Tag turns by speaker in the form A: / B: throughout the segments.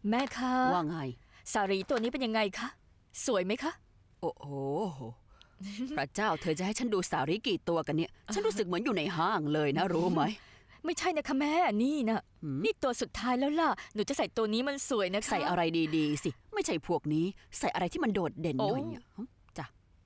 A: แม่คะ
B: ว่าไง
A: สารีตัวนี้เป็นยังไงคะสวยไหมคะ
B: โอ้โหพระเจ้าเธอจะให้ฉันดูสารีกี่ตัวกันเนี่ยฉันรู้สึกเหมือนอยู่ในห้างเลยนะรู้ไหม
A: ไม่ใช่นะคะแม่นี่นะนี่ตัวสุดท้ายแล้วล่ะหนูจะใส่ตัวนี้มันสวยนะคะ
B: ใส่อะไรดีๆสิไม่ใช่พวกนี้ใส่อะไรที่มันโดดเด่นหน่อยจ้ะ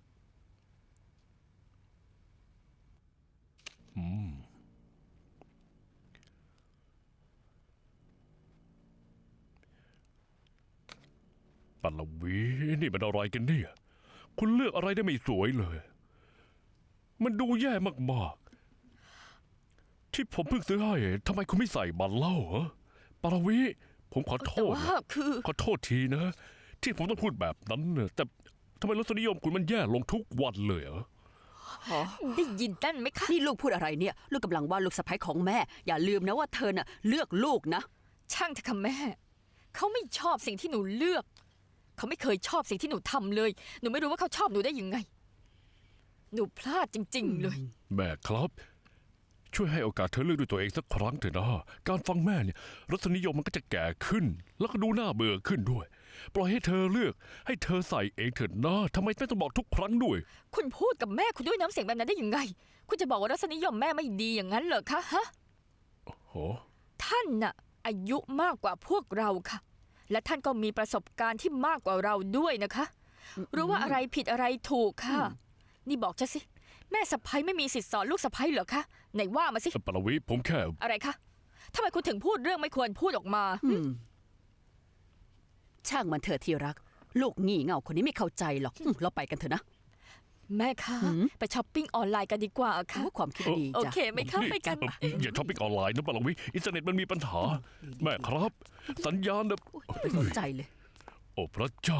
C: ปัลวีนี่มันอะไรกันเนี่ยคุณเลือกอะไรได้ไม่สวยเลยมันดูแย่มากๆที่ผมเพิ่งซื้อให้ทำไมคุณไม่ใส่บันเล่าเหรอปัลวีผมขอโทษนะขอโทษทีนะที่ผมต้องพูดแบบนั้นเนี่ยแต่ทำไมรสนิยมคุณมันแย่ลงทุกวันเลยเหรอ
A: ได้ยินนั่นไหมคะ
B: นี่ลูกพูดอะไรเนี่ยลูกกำลังว่าลูกสะใภ้ของแม่อย่าลืมนะว่าเธอน่ะเลือกลูกนะ
A: ช่างเถอะค่ะแม่เขาไม่ชอบสิ่งที่หนูเลือกเขาไม่เคยชอบสิ่งที่หนูทำเลยหนูไม่รู้ว่าเขาชอบหนูได้ยังไงหนูพลาดจริงๆเลย
C: แม่ครับช่วยให้โอกาสเธอเลือกด้วยตัวเองสักครั้งเถอะนะการฟังแม่เนี่ยรสนิยมมันก็จะแก่ขึ้นแล้วก็ดูน่าเบื่อขึ้นด้วยปล่อยให้เธอเลือกให้เธอใส่เองเถิดนะทำไมแม่ต้องบอกทุกครั้งด้วย
A: คุณพูดกับแม่คุณด้วยน้ำเสียงแบบนั้นได้ยังไงคุณจะบอกว่ารสนิยมแม่ไม่ดีอย่างนั้นเหรอคะฮะ
C: โห
A: ท่านน่ะอายุมากกว่าพวกเราค่ะและท่านก็มีประสบการณ์ที่มากกว่าเราด้วยนะคะรู้ว่าอะไรผิดอะไรถูกค่ะนี่บอกจะสิแม่สะใภ้ไม่มีสิทธิ์สอนลูกสะใภ้เหรอคะไหนว่ามาสิ
C: ปรวีผมแค่
A: อะไรคะทำไมคุณถึงพูดเรื่องไม่ควรพูดออกมา
B: ช่างมันเถอะที่รักลูกงี่เง่าคนนี้ไม่เข้าใจหรอกเราไปกันเถอะนะ
A: แม่คะไปช้อปปิ้งออนไลน์กันดีกว่าค่ะ
B: ความคิดดี
A: โอเคไหมคะไปกัน
C: อย่าช้อปปิ้งออนไลน์นะปรวีอินเทอร์เน็ตมันมีปัญหาแม่ครับสัญญาณนะ
B: ไม่สนใจเลย
C: โอ้พระเจ้า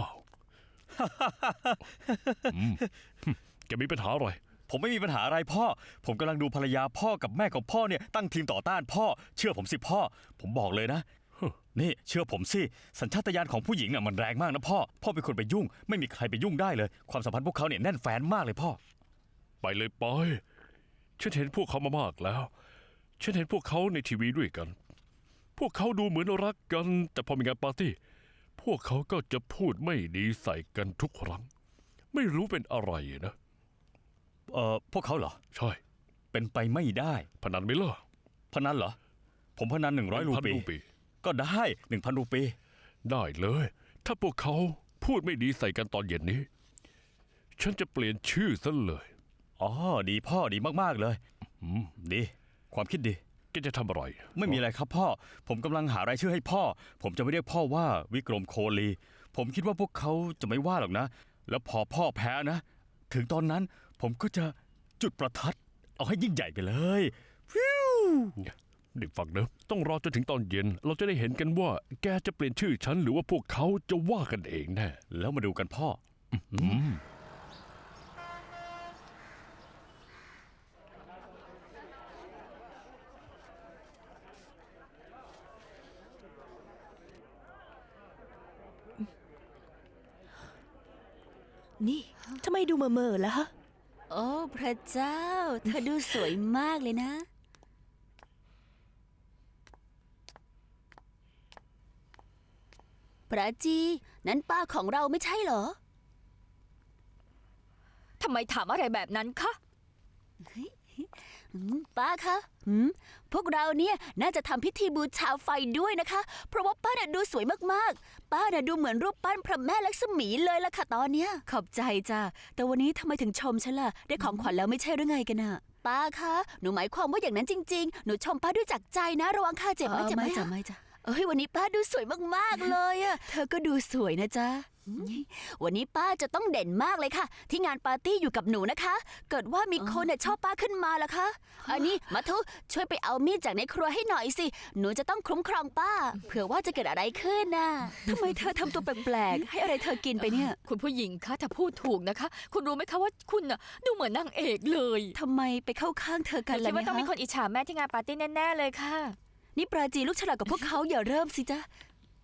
C: แกมีปัญหาอะไร
D: ผมไม่มีปัญหาอะไรพ่อผมกำลังดูภรรยาพ่อกับแม่ของพ่อเนี่ยตั้งทีมต่อต้านพ่อเชื่อผมสิพ่อผมบอกเลยนะนี่เชื่อผมสิสัญชาตญาณของผู้หญิงน่ะมันแรงมากนะพ่อเป็นคนไปยุ่งไม่มีใครไปยุ่งได้เลยความสัมพันธ์พวกเขาเนี่ยแน่นแฟ้นมากเลยพ่อ
C: ไปเลยปอยฉันเห็นพวกเขามามากแล้วฉันเห็นพวกเขาในทีวีด้วยกันพวกเขาดูเหมือนรักกันแต่พอมีงานปาร์ตี้พวกเขาก็จะพูดไม่ดีใส่กันทุกครั้งไม่รู้เป็นอะไรนะ
D: พวกเขาเหรอ
C: ใช่
D: เป็นไปไม่ได้
C: พนันไหมล่ะ
D: พนันเหรอผมพนัน100 รูปีก็ได้ 1,000 รูปี
C: ได้เลยถ้าพวกเขาพูดไม่ดีใส่กันตอนเย็นนี้ฉันจะเปลี่ยนชื่อซะเลย
D: อ๋อดีพ่อดีมากๆเลยดีความคิดดี
C: แกจะทำอะไร
D: ไม่มีอะไรครับพ่อผมกำลังหารายชื่อให้พ่อผมจะไม่เรียกพ่อว่าวิกรมโคลีผมคิดว่าพวกเขาจะไม่ว่าหรอกนะแล้วพอพ่อแพ้นะถึงตอนนั้นผมก็จะจุดประทัดเอาให้ยิ่งใหญ่ไปเลยฟิว
C: เด็กฟังนะต้องรอจนถึงตอนเย็นเราจะได้เห็นกันว่าแกจะเปลี่ยนชื่อฉันหรือว่าพวกเขาจะว่ากันเองแน่
D: แล้วมาดูกันพ่อ
E: นี่ทำไมดูเม่อๆล่ะฮะ
B: โอ้พระเจ้าเธอดูสวยมากเลยนะพระจีนั้นป้าของเราไม่ใช่เหรอ
A: ทำไมถามอะไรแบบนั้นคะ
B: ป้าคะพวกเราเนี่ยน่าจะทำพิธีบูชาไฟด้วยนะคะเพราะว่าป้าน่ะดูสวยมากๆป้าน่ะดูเหมือนรูปปั้นพระแม่ลักษมีเลยล่ะค่ะตอนเนี้ยขอบใจจ้ะแต่วันนี้ทำไมถึงชมฉันล่ะได้ของขวัญแล้วไม่ใช่หรือไงกันน่ะป้าคะหนูหมายความว่าอย่างนั้นจริงๆหนูชมป้าด้วยจากใจนะระวังค่าเจ็บไม่จ้ะไม่จ้ะไม่จ้ะวันนี้ป้าดูสวยมากๆเลยอะเธอก็ดูสวยนะจ๊ะวันนี้ป้าจะต้องเด่นมากเลยค่ะที่งานปาร์ตี้อยู่กับหนูนะคะเกิดว่ามีคนชอบป้าขึ้นมาล่ะคะอันนี้มัทุช่วยไปเอามีดจากในครัวให้หน่อยสิหนูจะต้องคุ้มครองป้าเผื่อว่าจะเกิดอะไรขึ้นน่ะทำไมเธอทำตัวแปลกๆให้อะไรเธอกินไปเนี่ย
A: คุณผู้หญิงคะถ้าพูดถูกนะคะคุณรู้ไหมคะว่าคุณน่ะดูเหมือนนางเอกเลย
B: ทำไมไปเข้าข้างเธอกันล่ะ
A: เนี่ยคิดว่าต้องมีคนอิจฉาแม่ที่งานปาร์ตี้แน่ๆเลยค่ะ
B: นี่ปราจีลูกฉลาดกับพวกเขาอย่าเริ่มสิจ๊ะ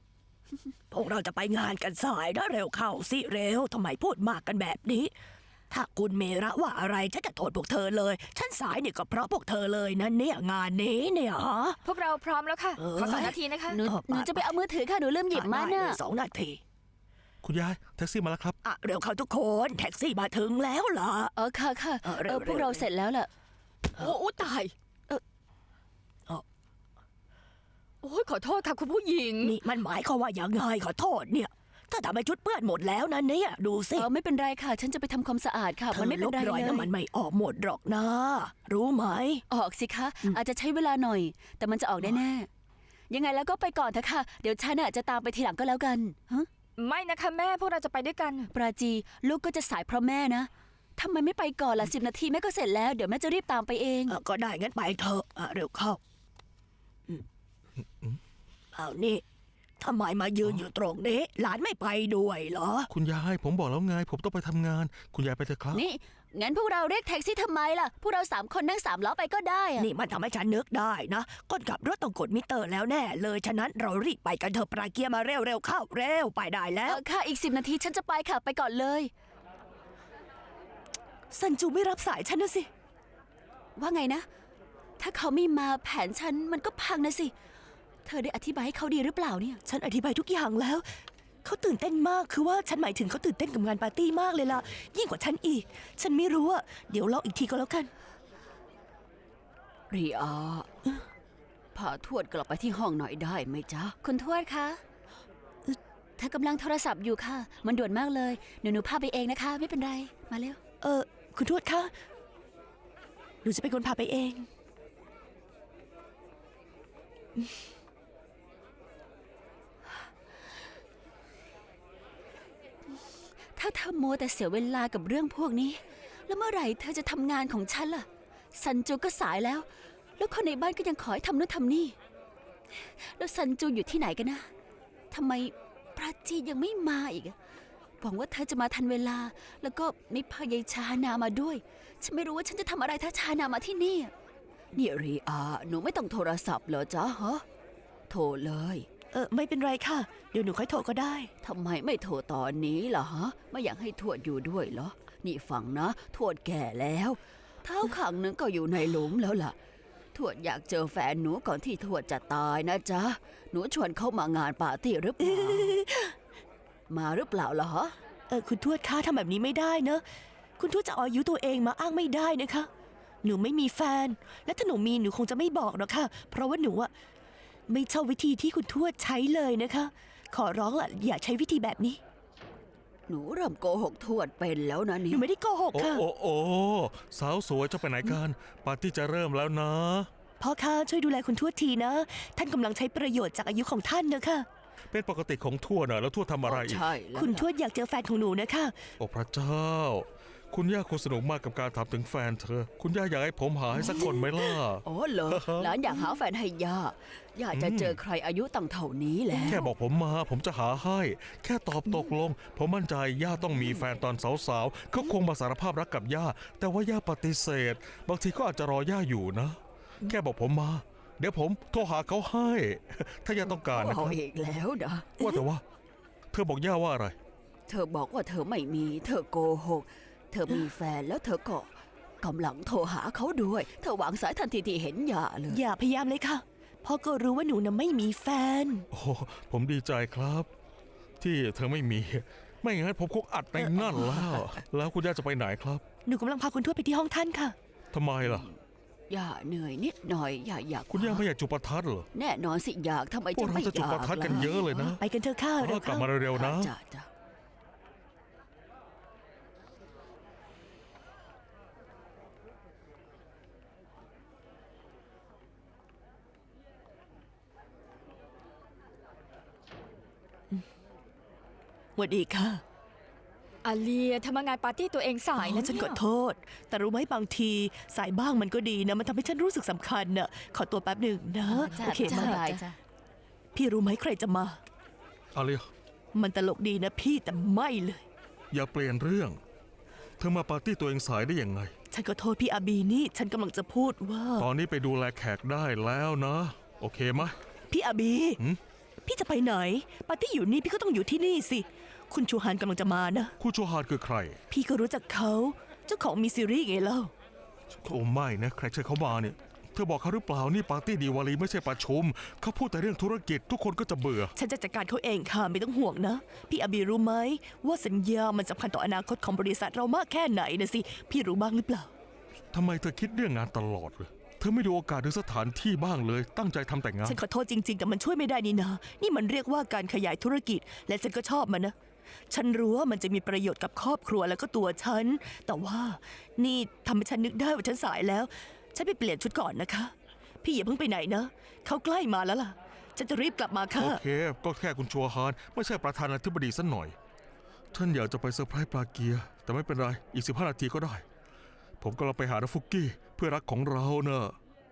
E: พวกเราจะไปงานกันสายนะเร็วเข้าสิเร็วทำไมพูดมากกันแบบนี้ถ้าคุณเมระว่าอะไรฉันจะโทษพวกเธอเลย ฉันสายเนี่ยก็เพราะพวกเธอเลยนะเนี่ยงานนี้เนี่ยฮะ
A: พวกเราพร้อมแล้วค่ะ
E: เออ
A: ขอ2 นาทีนะคะ
B: หนูจะไปเอามือถือค่ะ หนูลืมหยิบมา
E: ได้
B: น่ะ
E: เลย2 นาที
F: คุณยายแท็กซี่มาแล้วครับ
E: อ่ะเร็วเข้าทุกคนแท็กซี่มาถึงแล้วเหรอ
B: ค่ะค่ะ
E: เร็ว
B: พวกเราเสร็จแล้วล่ะ
A: โอ้ตายโอ้ยขอโทษค่ะคุณผู้หญิง
E: นี่มันหมายความว่าอย่างไงขอโทษเนี่ย ถ้าทำให้ชุดเปื้อนหมดแล้วนะเนี่ยดูสิ
B: ไม่เป็นไรค่ะ ฉันจะไปทำความสะอาดค่ะ
E: เธ
B: มัน
E: อ
B: ไม่
E: ล
B: เป็น
E: บ
B: ไร
E: รอย
B: เล
E: น้ำมัน
B: ย
E: ไม่ออกหมดหรอกนะ รู้ไหม
B: ออกสิคะ อาจจะใช้เวลาหน่อย แต่มันจะออกแน่ๆยังไงแล้วก็ไปก่อนเถอะค่ะ เดี๋ยวฉันจะตามไปทีหลังก็แล้วกันฮะ
A: ไม่นะคะแม่พวกเราจะไปด้วยกัน
B: ปราจีลูกก็จะสายเพราะแม่นะทำไมไม่ไปก่อนล่ะ10 นาทีแม่ก็เสร็จแล้วเดี๋ยวแม่จะรีบตามไปเอง
E: ก็ได้งั้นไปเถอะเร็วเข้าเอานี่ทำไมมายืนอยู่ตรงนี้ หลานไม่ไปด้วยเหรอ
F: คุณยายผมบอกแล้วไง ผมต้องไปทำงาน คุณยายไปเถอะครับ
B: นี่งั้นพวกเราเรียกแท็กซี่ทำไมล่ะพวกเรา3 คนนั่ง3 ล้อไปก็ได้อะ
E: นี่มันทำให้ฉันนึกได้นะคนขับรถต้องกดมิเตอร์แล้วแน่เลยฉะนั้นเรารีบไปกันเถอะปราเกียร์มาเร็วเข้าเร็วไปได้แล้ว
B: ค่ะอีก10 นาทีฉันจะไปค่ะไปก่อนเลย
E: ซันจูไม่รับสายฉันนะสิ
B: ว่าไงนะ ถ้าเขาไม่มาแผนฉันมันก็พังนะสิเธอได้อธิบายให้เขาดีหรือเปล่าเนี่ย
E: ฉันอธิบายทุกอย่างแล้ว เขาตื่นเต้นมากคือว่าฉันหมายถึงเขาตื่นเต้นกับงานปาร์ตี้มากเลยล่ะ ยิ่งกว่าฉันอีก ฉันไม่รู้อะเดี๋ยวลองอีกทีก็แล้วกัน
B: รีอาพาทวดกลับไปที่ห้องหน่อยได้ไหมจ๊ะคุณทวดคะเธอกำลังโทรศัพท์อยู่ค่ะ มันด่วนมากเลยหนูพาไปเองนะคะ ไม่เป็นไรมาเร็ว
E: คุณทวดคะ หนูจะเป็นคนพาไปเอง
B: ถ้าเธอโมวแต่เสียเวลากับเรื่องพวกนี้ แล้วเมื่อไหร่เธอจะทำงานของฉันล่ะซันจูก็สายแล้ว แล้วคนในบ้านก็ยังขอให้ทำนู่นทำนี่ แล้วซันจูอยู่ที่ไหนกันนะทำไมปราจียังไม่มาอีกอะหวังว่าเธอจะมาทันเวลา แล้วก็ไม่พายายชานามาด้วย ฉันไม่รู้ว่าฉันจะทำอะไรถ้าชานามาที่นี่นี่รีอาหนูไม่ต้องโทรศัพท์เหรอจ๊ะฮะโทรเลย
E: ไม่เป็นไรค่ะ เดี๋ยวหนูค่อยโทรก็ได้
B: ทำไมไม่โทรตอนนี้ล่ะฮะ ไม่อยากให้ทวดอยู่ด้วยเหรอ นี่ฟังนะทวดแก่แล้ว เท้าข้างหนึงก็อยู่ในหลุมแล้วล่ะ ทวดอยากเจอแฟนหนูก่อนที่ทวดจะตายนะจ๊ะ หนูชวนเขามางานปาร์ตี้หรือเปล่า มาหรือเปล่าล่ะฮะ
E: คุณทวดคะทำแบบนี้ไม่ได้นะ คุณทวดจะเอาอายุตัวเองมาอ้างไม่ได้นะคะ หนูไม่มีแฟน และถ้าหนูมีหนูคงจะไม่บอกหรอกค่ะ เพราะว่าหนูอะไม่ชอบวิธีที่คุณทวดใช้เลยนะคะ ขอร้องล่ะอย่าใช้วิธีแบบนี้
B: หนูเริ่มโกหกทวดเป็นแล้วนะ
E: ห
B: นี่
E: นูไม่ได้โกหก
F: โอ้
E: ค่ะ
F: โอ้สาวสวยจะไปไหนกันปาร์ตี้จะเริ่มแล้วนะ
E: พ่อคะช่วยดูแลคุณทวดทีนะ ท่านกำลังใช้ประโยชน์จากอายุของท่านนะคะ
F: เป็นปกติของทั่วน่ะแล้วทั่วทำอะไรอีก
B: ใช่แล้ว
E: คุณท
B: ล่ะ
E: วดอยากเจอแฟนของหนูนะคะ
F: โอ้พระเจ้า คุณย่าคงสนุกมากกับการถามถึงแฟนเธอ คุณย่าอยากให้ผมหาให้สักคนไหมล่ะ
B: อ๋อเหรอ หลานอยากหาแฟนให้ย่าย่าจะเจอใครอายุตั้งเท่านี้แล้ว
F: แค่บอกผมมาผมจะหาให้ แค่ตอบตกลง ผมมั่นใจย่าต้องมีแฟนตอนสาวๆเขาคงมาสารภาพรักกับย่า แต่ว่าย่าปฏิเสธ บางทีก็อาจจะรอย่าอยู่นะ แค่บอกผมมา เดี๋ยวผมโทรหาเขาให้ ถ้าย่าต้องการนะค
B: เอา
F: รับ
B: อีกแล้วนะ
F: ว่าแต่ว่า เธอบอกย่าว่าอะไร
B: เธอบอกว่าเธอไม่มี เธอโกหก เธอมีแฟนแล้วเธอก็กำลังโทรหาเขาด้วย เธอวางสายทันทีที่เห็นหย่าเลย
E: อย่าพยายามเลยค่ะพ่อก็รู้ว่าหนูน่ะไม่มีแฟน
F: โอ้ผมดีใจครับ ที่เธอไม่มี ไม่อย่างนั้นผมคงอัดในนั่นแล้ว แล้วคุณย่าจะไปไหนครับ
E: หนูกำลังพาคุณทวดไปที่ห้องท่านค่ะ
F: ทำไมล่ะ
B: อย่าเหนื่อยนิดหน่อย อย่าอยาก
F: คุณย่าไม่อยากจุดประทัดเหรอ
B: แน่นอนสิอยากทำไม
F: พว
B: จะ
F: กเรา
B: ไม่
F: จะจุด
B: อยาก
F: ประทัดกันเยอะเลยนะ
E: ไปกันเถอะค่ะเร็ว
F: กลับ
E: เข้า
F: มาเร็วๆนะ
B: จ้ะจ้ะ
E: สวัสดีค่ะ
A: อาเลียทำงานปาร์ตี้ตัวเองสายนะ
E: ฉัน
A: เนี่ย
E: ขอโทษ แต่รู้ไหมบางทีสายบ้างมันก็ดีนะ มันทำให้ฉันรู้สึกสำคัญน่ะ ขอตัวแป๊บหนึ่งนะ
B: จ้ะ
E: โอเค
B: จ้ะ
E: มา
B: ได้จ้ะ
E: พี่รู้ไหมใครจะมา
F: อาเลีย
E: มันตลกดีนะพี่แต่ไม่เลย
F: อย่าเปลี่ยนเรื่อง เธอมาปาร์ตี้ตัวเองสายได้ยังไง
E: ฉันขอโทษพี่อาบีนี่ ฉันกำลังจะพูดว่า
F: ตอนนี้ไปดูแลแขกได้แล้วนะ โอเคไหม
E: พี่อาบี
F: หืม
E: พี่จะไปไหน ปาร์ตี้อยู่นี่พี่ก็ต้องอยู่ที่นี่สิ คุณชูฮันกำลังจะมานะ
F: คู่ชูฮานคือใคร
E: พี่ก็รู้จักเขาจ้าของมีซีรีส์ไงเล่า
F: โอ้ไม่นะใครเชิญเขามาเนี่ยเธอบอกเขาหรือเปล่านี่ปาร์ตี้ดีวาลีไม่ใช่ประชุมเขาพูดแต่เรื่องธุรกิจทุกคนก็จะเบื่อ
E: ฉันจะจัดการเขาเองค่ะไม่ต้องห่วงนะ พี่อาบีรู้ไหมว่าสัญญามันสำคัญต่ออนาคตของบริษัทเรามากแค่ไหนนะสิ พี่รู้บ้างหรือเปล่า
F: ทำไมเธอคิดเรื่องงานตลอดเลยเธอไม่ดูโอกาสหรือสถานที่บ้างเลย ตั้งใจทำแต่งาน
E: ฉันขอโทษจริงๆ แต่มันช่วยไม่ได้นี่นะ นี่มันเรียกว่าการขยายธุรกิจ และฉันก็ชอบมันนะ ฉันรู้ว่ามันจะมีประโยชน์กับครอบครัวแล้วก็ตัวฉัน แต่ว่านี่ทำให้ฉันนึกได้ว่าฉันสายแล้ว ฉันไปเปลี่ยนชุดก่อนนะคะ พี่อย่าเพิ่งไปไหนนะ เขาใกล้มาแล้วล่ะ ฉันจะรีบกลับมาค่ะ
F: โอเค ก็แค่คุณชัวฮานไม่ใช่ประธานาธิบดีสักหน่อยฉันอยากจะไปเซอร์ไพรส์ปลาเกียร์แต่ไม่เป็นไรอีก15 นาทีก็ได้ ผมกำลังไปหานาฟุกกี้เพื่อนรักของเราเนอะ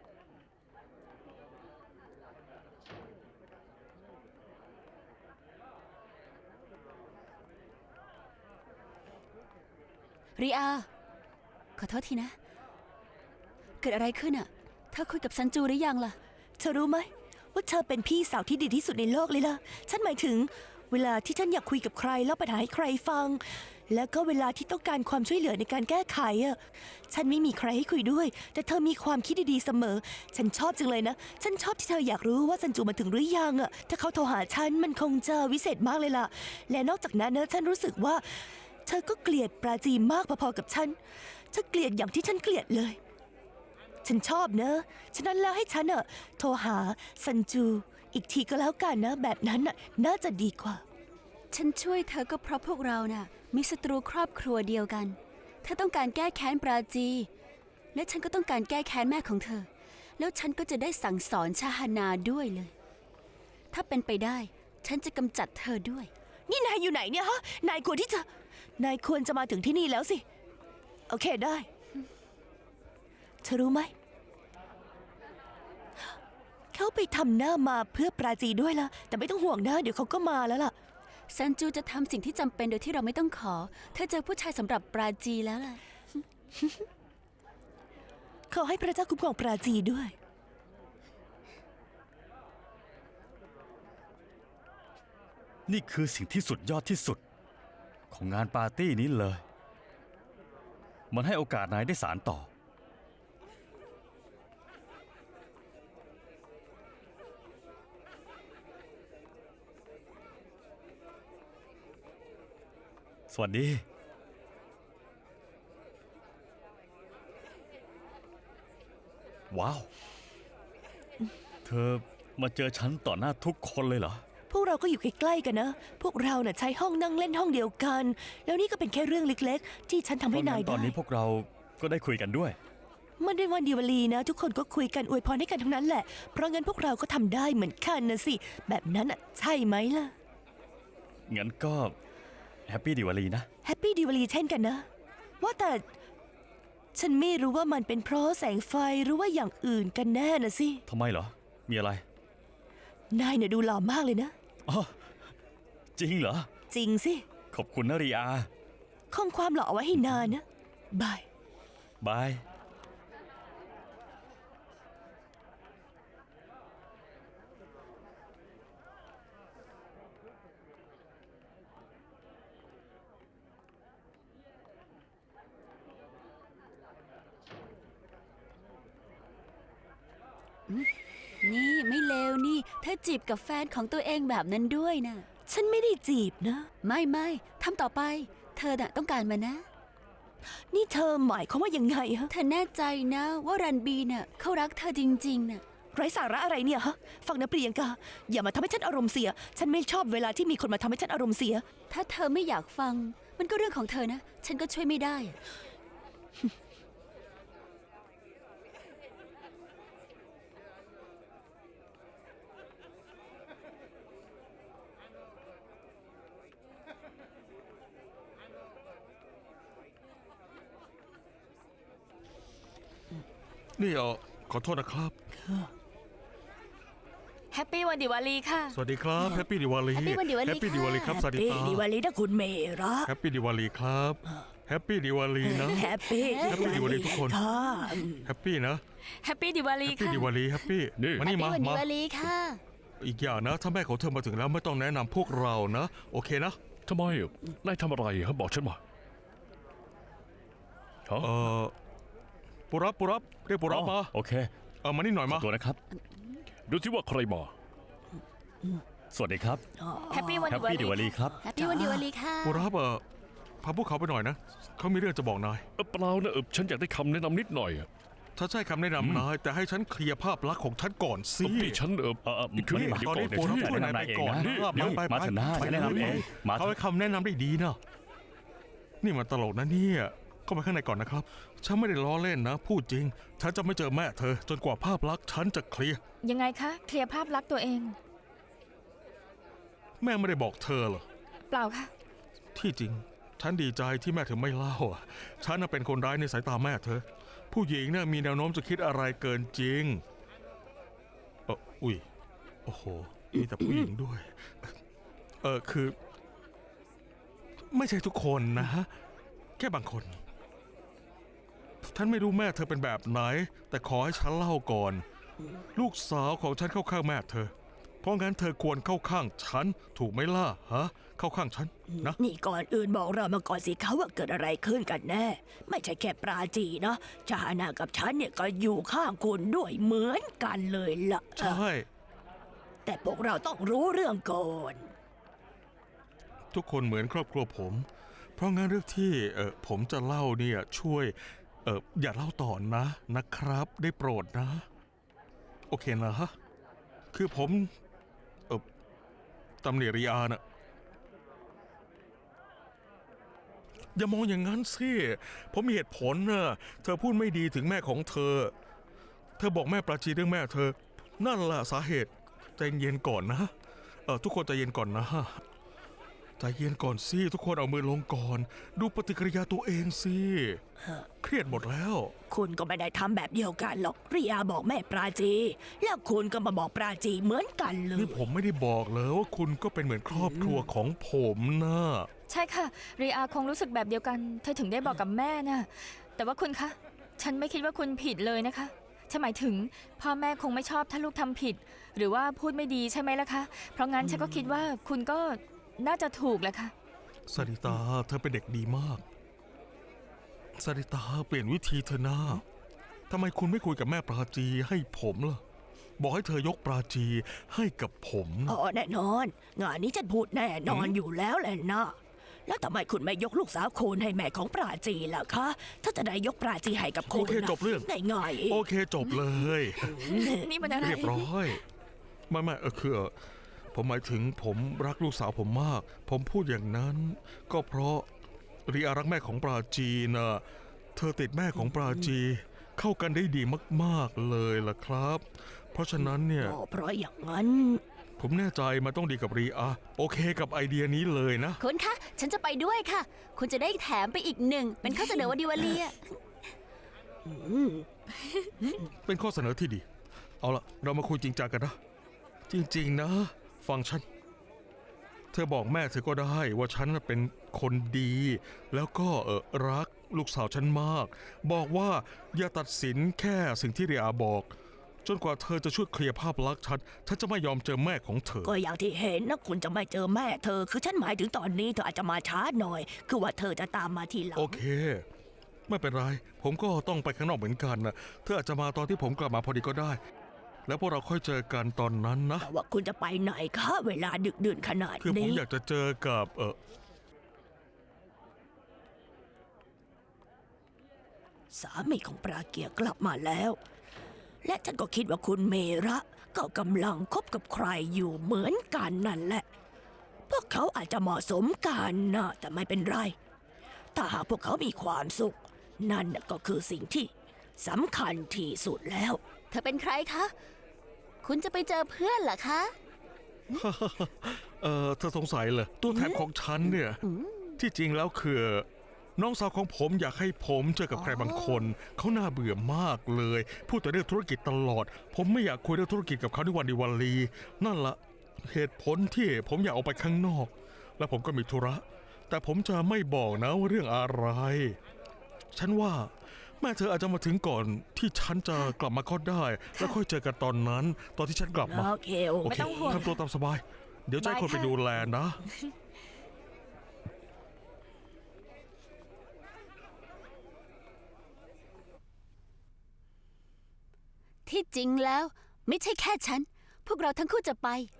B: ริอา ขอโทษทีนะ เกิดอะไรขึ้นอะเธอคุยกับซันจูหรือยังล่ะ
E: เธอรู้ไหมว่าเธอเป็นพี่สาวที่ดีที่สุดในโลกเลยล่ะ ฉันหมายถึงเวลาที่ฉันอยากคุยกับใครเล่าปัญหาให้ใครฟัง แล้วก็เวลาที่ต้องการความช่วยเหลือในการแก้ไขอ่ะ ฉันไม่มีใครให้คุยด้วย แต่เธอมีความคิดดีๆเสมอ ฉันชอบจังเลยนะ ฉันชอบที่เธออยากรู้ว่าซันจูมาถึงหรือยังอ่ะ ถ้าเขาโทรหาฉันมันคงจะวิเศษมากเลยล่ะ และนอกจากนั้นนะฉันรู้สึกว่า เธอก็เกลียดปราจีมากพอๆกับฉันเธอเกลียดอย่างที่ฉันเกลียดเลย ฉันชอบเนอะฉะนั้นแล้วให้ฉันอะโทรหาซันจูอีกทีก็แล้วกันนะ แบบนั้นน่ะน่าจะดีกว่า
B: ฉันช่วยเธอก็เพราะพวกเราน่ะมีศัตรูครอบครัวเดียวกัน เธอต้องการแก้แค้นปราจี และฉันก็ต้องการแก้แค้นแม่ของเธอ แล้วฉันก็จะได้สั่งสอนชาฮานาด้วยเลย ถ้าเป็นไปได้ ฉันจะกำจัดเธอด้วย
E: นี่นายอยู่ไหนเนี่ยฮะ นายควรที่จะ นายควรจะมาถึงที่นี่แล้วสิ โอเคได้ เธอรู้ไหม เขาไปทำหน้ามาเพื่อปราจีด้วยล่ะ แต่ไม่ต้องห่วงนะ เดี๋ยวเขาก็มาแล้วล่ะ
B: ซันจูจะทำสิ่งที่จำเป็นโดยที่เราไม่ต้องขอ เธอเจอผู้ชายสำหรับปราจีแล้วล่ะ
E: ขอให้พระเจ้าคุ้มครองปราจีด้วย
D: นี่คือสิ่งที่สุดยอดที่สุด ของงานปาร์ตี้นี้เลย มันให้โอกาสนายได้สานต่อ สวัสดี ว้าว เธอมาเจอฉันต่อหน้าทุกคนเลยเหรอ
E: พวกเราก็อยู่ใกล้ๆกันนะ พวกเราน่ะใช้ห้องนั่งเล่นห้องเดียวกัน แล้วนี่ก็เป็นแค่เรื่องเล็กๆ ที่ฉันทำให้นาย
D: ต
E: ได้
D: อนนี้พวกเราก็ได้คุยกันด้วย
E: มันเป็นวันดีวลีนะ ทุกคนก็คุยกันอวยพรให้กันทั้งนั้นแหละ เพราะงั้นพวกเราก็ทำได้เหมือนกันนะสิ แบบนั้นอ่ะใช่ไหมล่ะ
D: งั้นก็แฮปปี้ดิวาลีนะ
E: แฮปปี้ดีวลีเช่นกันนะ ว่าแต่ฉันไม่รู้ว่ามันเป็นเพราะแสงไฟหรือว่าอย่างอื่นกันแน่นะสิ
D: ทำไมเหรอ มีอะไร
E: นายเนี่ยดูหล่อมากเลยนะ
D: อ๋อ จริงเหรอ
E: จริงสิ
D: ขอบคุณนะรีอา
E: คงความหล่อเอาไว้ให้นานนะบาย
D: บาย
B: นี่ไม่เลวนี่ เธอจีบกับแฟนของตัวเองแบบนั้นด้วยนะ
E: ฉันไม่ได้จีบนะ
B: ไม่ทำต่อไป เธอน่ะต้องการมันนะ
E: นี่เธอหมายความว่ายังไงฮะ
B: เธอแน่ใจนะว่ารันบีน่ะเขารักเธอจริงๆน่ะ
E: ไร้สาระอะไรเนี่ยฮะ ฟังนะเปรียงกา อย่ามาทำให้ฉันอารมณ์เสีย ฉันไม่ชอบเวลาที่มีคนมาทำให้ฉันอารมณ์เสีย
B: ถ้าเธอไม่อยากฟัง มันก็เรื่องของเธอนะ ฉันก็ช่วยไม่ได้อะ
F: นี่ขอโทษนะครับ
A: แฮปปี้วันดิวาลีค่ะ
F: สวัสดีครับแฮปปี้ดิวาลี
B: Happy วันดิวาลี
F: แฮปปี้ดิวาลีครับ
B: ค่ะ
F: สวัสดีครับ
E: ดีวาลีนะคุณเมระ
F: แฮปปี้ดิวาลีครับแฮปปี้ดิวาลีนะ
E: แฮปปี้
F: แฮปปี้ดิวาลีทุกคน
E: ค่ะ
F: แฮปปี้นะ
A: แฮปปี้ดิวาลี
F: แฮปปี้
A: ค่ะ
F: ดิวาลีแฮปปี้
C: นี่
F: มานี่
B: ปี
F: มา
B: วันดี
F: มา
B: วาลีค่ะ
F: อีกอย่างนะ ถ้าแม่ของเธอมาถึงแล้วไม่ต้องแนะนำพวกเรานะ โอเคนะ
C: ทำไมนายทำอะไรฮะบอกฉันมาฮะ
F: เออปุรับปุรับเรียกปุรับมา
D: โอเค
F: มานี่หน่อย
D: ขอ
F: มา
D: ตัวนะครับ
C: ดูสิว่าใครมา
D: สวัสดีครับ
A: แฮปปี้วัน
D: แฮปปี้ดิวาลีครับ
B: แฮปปี้วันดีวันลีค่ะ
F: ปุรับพาพวกเขาไปหน่อยนะเขามีเรื่องจะบอกนาย
C: เปล่านะฉันอยากได้คำแนะนำนิดหน่อยอะ
F: ถ้าใช่คำแนะนำนายแต่ให้ฉันเคลียร์ภาพลักษณ์ของฉันก่อนสิ
C: ที่ฉันคือ
D: นี่
C: เดี๋ยว
F: ตอน
C: ก่อ
F: นี้
C: นเดี๋ยว
F: ปุรับ
C: ฉัน
F: ช่วยนายไปก่อนนะ
D: นี่มาเถอะนะฉันแนะนำเองมาเถ
F: เขา
D: อะ
F: ให้คำแนะนำได้ดีนะนี่มันตลกนะเนี่ยเข้าไปข้างในก่อนนะครับฉันไม่ได้ล้อเล่นนะ พูดจริง ฉันจะไม่เจอแม่เธอ จนกว่าภาพลักษณ์ฉันจะเคลียร์
A: ยังไงคะ เคลียร์ภาพลักษณ์ตัวเอง
F: แม่ไม่ได้บอกเธอเหรอ
A: เปล่าค่ะ
F: ที่จริง ฉันดีใจที่แม่เธอไม่เล่าอะฉันน่ะเป็นคนร้ายในสายตาแม่เธอ ผู้หญิงน่ะมีแนวโน้มจะคิดอะไรเกินจริงอุ้ยโอ้โหมีแต่ผู้หญิงด้วยคือ ไม่ใช่ทุกคนนะฮะแค่บางคนฉันไม่รู้แม่เธอเป็นแบบไหน แต่ขอให้ฉันเล่าก่อน ลูกสาวของฉันเข้าข้างแม่เธอ เพราะงั้นเธอควรเข้าข้างฉันถูกไหมล่ะฮะเข้าข้างฉันนะ
E: นี่ก่อนอื่นบอกเรามาก่อนสิเขาว่าเกิดอะไรขึ้นกันแน่ ไม่ใช่แค่ปราจีนะจานากับฉันเนี่ยก็อยู่ข้างคุณด้วยเหมือนกันเลยล่ะ
F: ใช่
E: แต่พวกเราต้องรู้เรื่องก่อน
F: ทุกคนเหมือนครอบครัวผม เพราะงั้นเรื่องที่ผมจะเล่าเนี่ยช่วยอย่าเล่าต่อนะครับ ได้โปรดนะ โอเคนะฮะคือผมตำหนิริอานะอย่ามองอย่างนั้นสิผมมีเหตุผลนะเธอพูดไม่ดีถึงแม่ของเธอ เธอบอกแม่ปราจีเรื่องแม่เธอ นั่นแหละสาเหตุใจเย็นก่อนนะทุกคนใจเย็นก่อนนะใจเย็นก่อนสิทุกคนเอามือลงก่อน ดูปฏิกิริยาตัวเองสิเครียดหมดแล้ว
E: คุณก็ไม่ได้ทำแบบเดียวกันหรอกริยาบอกแม่ปราจี แล้วคุณก็มาบอกปราจีเหมือนกันเลย
F: นี่ผมไม่ได้บอกเลยว่าคุณก็เป็นเหมือนครอบครัวของผมนะ
A: ใช่ค่ะรีอาคงรู้สึกแบบเดียวกัน เธอถึงได้บอกกับแม่น่ะ แต่ว่าคุณคะ ฉันไม่คิดว่าคุณผิดเลยนะคะฉันหมายถึงพ่อแม่คงไม่ชอบถ้าลูกทำผิด หรือว่าพูดไม่ดีใช่ไหมล่ะคะ เพราะงั้นฉันก็คิดว่าคุณก็น่าจะถูกแหละค่ะ
F: สริตาเธอเป็นเด็กดีมากสริตาเปลี่ยนวิธีเธอหน้าทำไมคุณไม่คุยกับแม่ปราจีให้ผมล่ะ บอกให้เธอยกปราจีให้กับผมนะ
E: อ๋อแน่นอน งานนี้ฉันพูดแน่นอนอยู่แล้วแหละนะ แล้วทำไมคุณไม่ยกลูกสาวคุณให้แม่ของปราจีล่ะคะ ถ้าจะได้ยกปราจีให้กับคุ
F: โอ
E: ณ
F: เค
E: นะ
F: จบเรื่อง
E: ง่ายๆเอง
F: โอเคจบเลย
A: นี่มันอะไร
F: เรียบร้อยไม่คือผมหมายถึงผมรักลูกสาวผมมาก ผมพูดอย่างนั้น ก็เพราะรีอารักแม่ของปราจีนะเธอติดแม่ของปราจี เข้ากันได้ดีมากๆเลยล่ะครับ เพราะฉะนั้นเนี่ย
E: ก็เพราะอย่างนั้น
F: ผมแน่ใจมันต้องดีกับรีอาโอเคกับไอเดียนี้เลยนะ
B: คุณคะ ฉันจะไปด้วยค่ะ คุณจะได้แถมไปอีกหนึ่ง เป็นข้อเสนอวันดีวันลีอะ
F: เป็นข้อเสนอที่ดี เอาละเรามาคุยจริงจังกันนะ จริงๆนะ ฟังฉัน เธอบอกแม่เธอก็ได้ว่าฉันน่ะเป็นคนดี แล้วก็รักลูกสาวฉันมาก บอกว่าอย่าตัดสินแค่สิ่งที่เรียอาบอก จนกว่าเธอจะช่วยเคลียร์ภาพลักษณ์ฉันจะไม่ยอมเจอแม่ของเธอ
E: ก็อย่างที่เห็นนะคุณจะไม่เจอแม่เธอ คือฉันหมายถึงตอนนี้เธออาจจะมาช้าหน่อย คือว่าเธอจะตามมาทีหลัง
F: โอเค ไม่เป็นไร ผมก็ต้องไปข้างนอกเหมือนกันนะเธออาจจะมาตอนที่ผมกลับมาพอดีก็ได้ แล้วพวกเราค่อยเจอกันตอนนั้นนะ
E: แต่ว่าคุณจะไปไหนคะ เวลาดึกดื่นขนาด
F: คือผม
E: นี้
F: อยากจะเจอกับ
E: สามีของปราเกียร์กลับมาแล้ว และฉันก็คิดว่าคุณเมระก็กำลังคบกับใครอยู่เหมือนกันนั่นแหละ พวกเขาอาจจะเหมาะสมกันนะแต่ไม่เป็นไร ถ้าหากพวกเขามีความสุข นั่นน่ะก็คือสิ่งที่สำคัญที่สุดแล้ว
B: เธอเป็นใครคะ คุณจะไปเจอเพื่อนเหรอคะ
F: เธอสงสัยเหรอตัวแทนของฉันเนี่ย ที่จริงแล้วคือน้องสาวของผมอยากให้ผมเจอกับใครบางคน เขาน่าเบื่อมากเลย พูดแต่เรื่องธุรกิจตลอด ผมไม่อยากคุยเรื่องธุรกิจกับเขาในวันดีวันลี นั่นละเหตุผลที่ผมอยากออกไปข้างนอก และผมก็มีธุระ แต่ผมจะไม่บอกนะว่าเรื่องอะไร ฉันว่าแม่เธออาจจะมาถึงก่อนที่ฉันจะกลับมาก็ได้ แล้วค่อยเจอกันตอนนั้น ตอนที่ฉันกลับมา
E: โอเคโอ
F: โอ
E: เค
F: เค
A: ไม่ต้องห่วง
F: ทำตัวตามสบาย เดี๋ยวจะให้คนไปดูแลนะ
E: ค
B: ที่จริงแล้ว ไม่ใช่แค่ฉัน พวกเราทั้งคู่จะไป